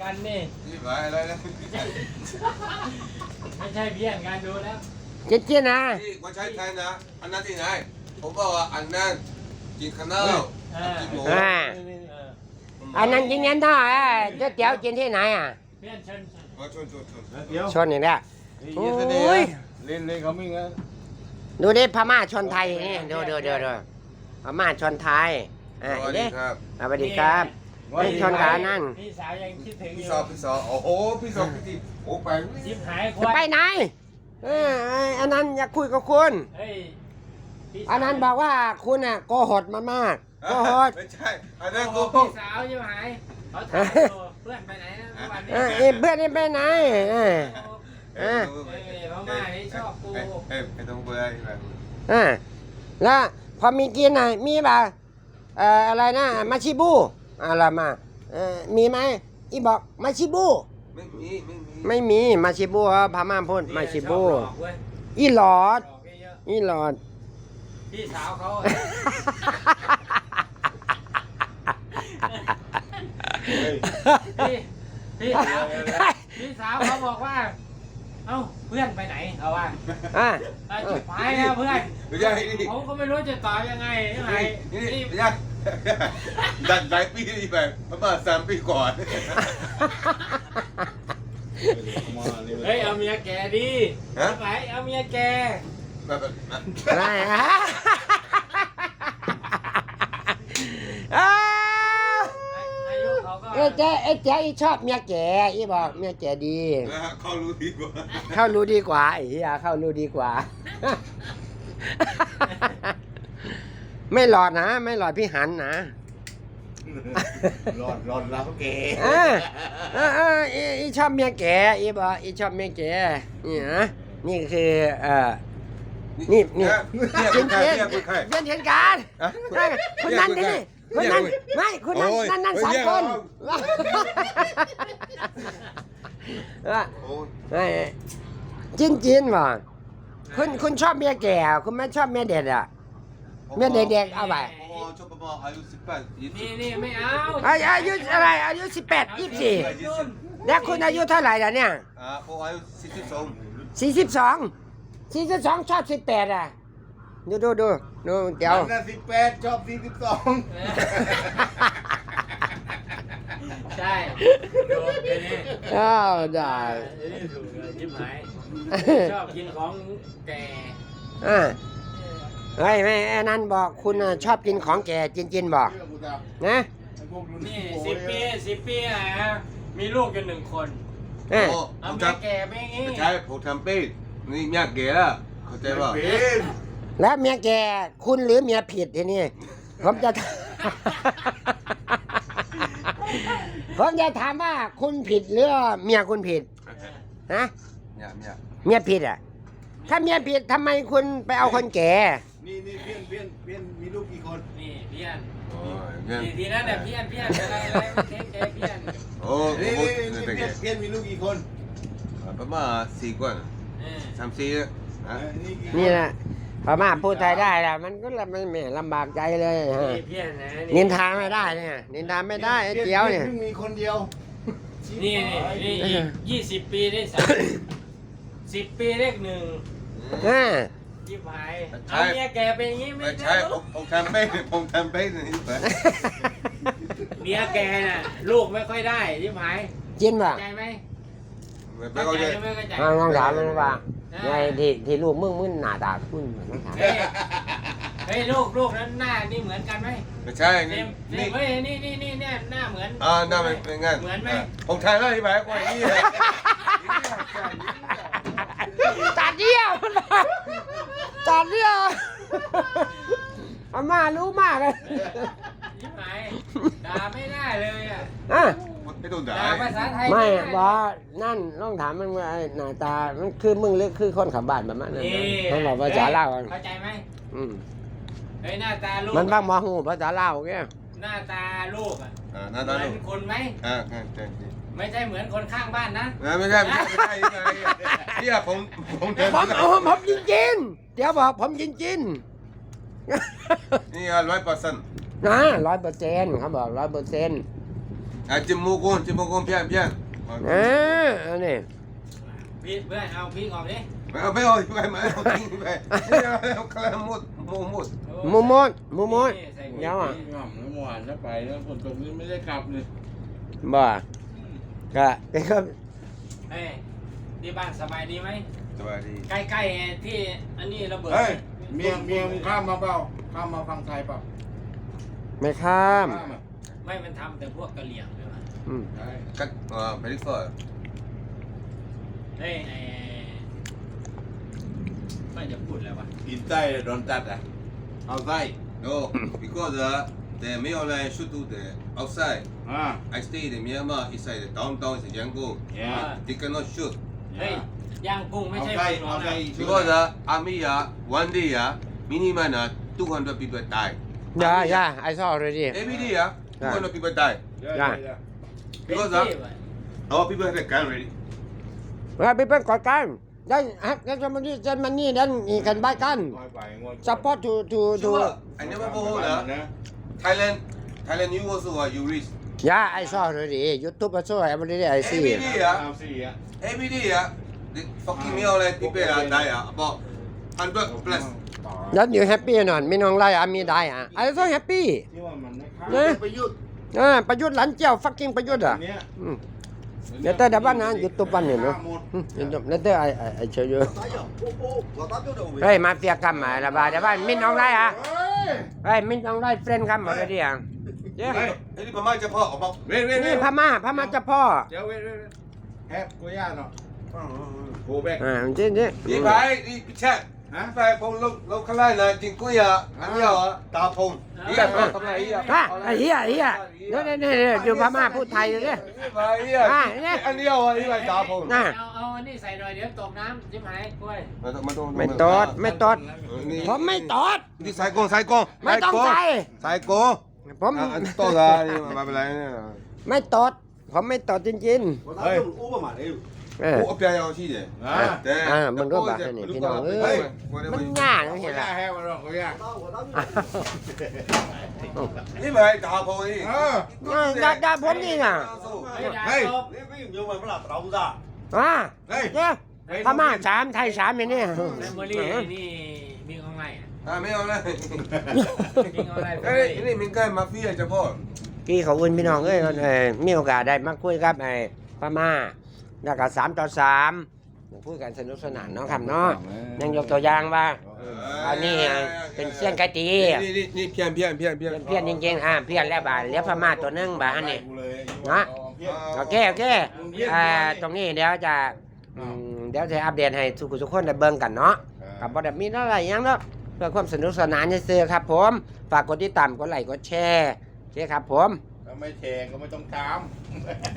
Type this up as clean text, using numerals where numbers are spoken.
กันนี่นี่ไปอะไรนะไม่ใช่เพี้ยนกันดูแล้วเจ๊ๆนะที่คนใช้ไทยนะอันนั้นที่ไหนผมบอกว่าอันนั้นกินข้าวเหนียวกินหมูอ่าเอออันนั้นกินยันท่าเจ๊เตี๋ยวกินที่ไหนอ่ะเพี้ยนเชิญมาชนเดี๋ยวชนอีกแล้วโอ้ยเล่นเขาไม่งั้นดูดิพม่าชนไทยนี่ดูพม่าชนไทยสอ่ะวัสเด้ดีครับสวัสดีครับนี่ชนกับอันนั่นพี่สาวยังคิดถึงอพี่ยู่สอบโอ้โหพี่สอบพี่ทีโอ้ไปชิบหายคจะวาไปยไหนอันนั้นอยากคุยกับคุณเฮ้ยพี่สาวอันนั้นบอกว่าคุณอ่ะโกหกมามากโกหกไม่ใช่อันนั้นโอ้โกโหหพี่กสาวชิบหายเขาถามอยู่เพื่อนไปไหนนะเมื่อวานนี้เพื่อนนี่ไปไหนเฮ้ยพม่านี่ชอบกูไอ้ตรงเบอร์แบบแล้วพอมีกินอ่ะมีป่ะอะไรนะมาชิบูอะไรมามีไหมอีบอกมาชิบู ไม่มีมาชิบูครับพม่าพูดมาชิบูชอบหลอกเว้ยอีหลอดหลอกเยอะอีหลอดๆพี่สาวเขาอะพี่พี่สาวพี่สาวเขาบอกว่า เอ้าเพื่อนไปไหนเอาว่าอ่ะจุดหายแล้วเพื่อนไม่ใช่นี่ผมก็ไม่รู้จะตอบยังไงใช่ไหมนี่นี่ไม่ใช่ดันหลายปีที่แบบประมาณ3 ปีก่อนเฮ้ยเอาเมียแกดิไปเอาเมียแกแบบอะไรฮะอายุเขาก็เจ๊อีชอบเมียแก่อีบอกเมียแก่ดีเขารู้ดีกว่าเข้ารู้ดีกว่าไอ้เหี้ยเข้ารู้ดีกว่า ไม่หลอดนะ ไม่หลอดพี่หันนะหลอดแล้วเก๋อีชอบเมียแก่อีบอกอีชอบเมียแก่นี่นะนี่คือนี่จริงๆเห็นการคุณนั่นดิคุณนั่นไม่คุณนั่นสามคนจินว่ะคุณชอบเมียแก่คุณไม่ชอบเมียเด็กอ่ะเมียเด็กๆเอาไปชอบประมาณอายุ18 นี่ไม่เอาอายุอะไรอายุ18 24แล้วคุณอายุเท่าไหร่ล่ะเนี่ยผมอายุ 42ชอบ18อ่ะดูเดี๋ยวนั่น18ชอบ42 ใช่โดนไปนี่อ้าวได้นี่ถูกเลยยิ้มหายชอบกินของแก่เฮ้ยไม่ไอ้นั่นบอกคุณชอบกินของแก่จินบอกนะนี่10 ปีนะมีลูกกัน1 คนเอ้ยเอาเมียแก่ไปอย่างงี้ใช่ผมทำเป็นนี่เมียแก่แล้วเข้าใจป่ะแล้วเมียแก่คุณหรือเมียผิดทีนี้ผมจะ ผมจะถามว่าคุณผิดหรือเมียคุณผิดนะเนี่ยเมียผิดอ่ะ ถ้าเมียผิดทำไมคุณไปเอาคนแก่นี่เพี้ยนมีลูกกี่คนนี่เพี้ยนโอ้ยเงี้ยทีนั้นเพี้ยนอะไรเทคเพี้ยนโอ้นี่โหเพี้ยนมีลูกกี่คนประมาณ4 คน3-4นะนี่แหละพม่าพูดไทยได้แหละมันก็ไม่ลำบากใจเลยฮะนี่เพี้ยนนะนินทาไม่ได้เนี่ยนินทาไม่ได้ไอ้เจียวเนี่ยเพิ่งมีคนเดียวนี่20 ปีได้10 ปีเลข1 อ่ายิบหายเอาเมียแกเป็นอย่างงี้ไม่ไม่ได้ใช่ผมทำเป็นนี่ไปเมียแกน่ะลูกไม่ค่อยได้ยิบหายจินป่ะใจไหมไม่เข้าเข้าใจใจหรือไม่เข้าใจลองถามมันว่าไงที่ลูกมึงหน้าตาคุณต้องถามเฮ้ยลูกนั้นหน้านี่เหมือนกันไหมไม่ใช่เต็นี่มนี่เฮ้ยนี่เนี่ยหน้าเหมือนหน้าเป็นงั้นเหมือนไหมผมทำแล้วที่ไปกว่านี้เลยตาเดียวตาเดียวอาม่ารู้มากเลยยิบหายด่าไม่ได้เลยอ่ะอ่ะไม่ต้องด่าด่าภาษาไทยไม่ด้บอกนั่นต้องถามมันว่าหน้าตามันคือมึงหรือคือคนขับบ้านแบบนั้นนะต้องบอกภาษาลาวเข้าใจไหม เฮ้ยหน้าตาลูกมันบ้างมอหูภาษาลาวแกหน้าตาลูกอ่ะหน้าเหตามืลูอก นคนไหมใช่ไม่ใช่เหมือนคนข้างบ้านนะไม่ใช่ที่ผมผมจริงๆเดี๋ยวบอกผมจริงนี่100% ๆนะ100%เขาบอก100% จมูกคนเพี้ยนอันนี้พี่เพื่อนเอาพี่ออกดิไม่เอาไม่เอาทิ้งไปเอาคลาหมดมูมดยาวอ่ะหม่ำน้ำหวานแล้วไปแล้วฝนตกนี่ไม่ได้กลับเลยบ่ก็ก็เฮ้ยที่บ้านสบายดีไหมสวัสดีใกล้ๆที่อันนี้ระเบิดเฮ้ยเมียมึงข้ามมาเปล่าข้ามมาฟังไทยเปล่าไม่ข้ามข้ามอ่ะไม่มันทำแต่พวกกะเหรี่ยงใช่ไหมใช่กันไปดิฟอร์เฮ้ยไม่จะพูดแล้ววะอินใต้โดนตัดอ่ะเอาไส้ no because the Maryland should do the outside I stay in Myanmar inside the downtown in Yangon they cannot shoot เฮ้ยย่างกุ้งไม่เอาใช่ไส้กุ้งเอานะไส้ because army one day minimum 200 people die Yeah, I saw already. every day 200 people die เป็น because ที่วะ our people have a gun ready ว่าไปเป็นก่อการได้ฮักกันมันนี่นั่นอีกันบ้านกัน support to sure I never go home Thailand you also you reach Yeah, I saw already. YouTube also every day I see. every day เอาสี่อ่ะ every day the fucking Maryland people die about 100 plus Then you happy นอนไม่น้องไล่อามีได้อ่ะ I also happy. ที่ว่ามันไม่ข้ามเนี่ยประยุทธ์ประยุทธ์หลันเจ้า fucking ประยุทธ์อ่ะเนี้ยเดี๋ยวแต่เดี๋ยวบ้านนะยูทูบบ้านเนี่ยเนาะเดี๋ยวไอ้เชียวอยู่เฮ้ยมาเฟียกันมาละบาเดี๋ยวบ้านมินน้องไล่อ่ะเฮ้ยเฮ้ยมินน้องไล่เฟรนด์กันหมดเลยดิอ่ะเดี๋ยวไอ้นี่พม่าจะพ่อออกมาเว้ยเว้ยนี่พม่าเจ้าพ่อเดี๋ยวเว้ยแฮปกูย่าเนาะโกแบกจริงนี่ไปนี่พิชาไปผมลงข้างล่างนะจริงกุ้ยอันนี้เหรอตาพงนี่ทำไรอ่ะฮะไอ้เหี้ยเนี่ยอยู่พม่าพูดไทยเลยเนี่ยไปเนี่ยอันนี้เหรอนี่ไปตาพงน่ะเอาอันนี้ใส่หน่อยเดี๋ยวตกน้ำจิ้มหายกล้วยไม่ตอดผมไม่ตอดนี่สายกงไม่ต้องใส่สายกงผมต่อเลยมาเป็นไรเนี่ยไม่ตอดผมไม่ตอดจริงเฮ้ยอู้ประมาณนี้ๆโอ้เปียยาวที่เดียมันก็แบบนี้พี่น้องเอ้ยมันยากกูเห็นย่าละแฮปมาเนาะกูย่านี่ไปตาพงนี่ด่าผมนี่น่ะเฮ้ยนี่ไม่อยู่มันไม่หลับเราจ้าเฮ้ยเนี่ยพม่า3ไทย3อย่างนี้แมมโมรี่นี่มีของไงอ่ะไม่เอาเลยมีของอะไรเฮ้ยนี่มิงใกล้มาฟี่จะพ่อกี่ขอบคุณพี่น้องเอ้ยมีโอกาสได้มาคุยกับไอ้พม่าแล้วก็3 ต่อ 3คุยกันสนุกสนานเนาะครับเนาะยังยกตัวอย่างว่าอันนี้เป็นเสี้ยนไก่ตีนี่เพี้ยนเพี้ยนจริงๆเพี้ยนแล้วบ่าเหลือพม่าตัวนึงบ่าอันนี้นะโอเคตรงนี้เดี๋ยวจะอัปเดตให้ทุกคนได้เบิ่งกันเนาะกับบ่ได้มีอะไรหยังเนาะเพื่อความสนุกสนานซื่อๆครับผมฝากกดติดตามกดไลค์กดแชร์โอเคครับผมถ้าไม่แชร์ก็ไม่ต้องตาม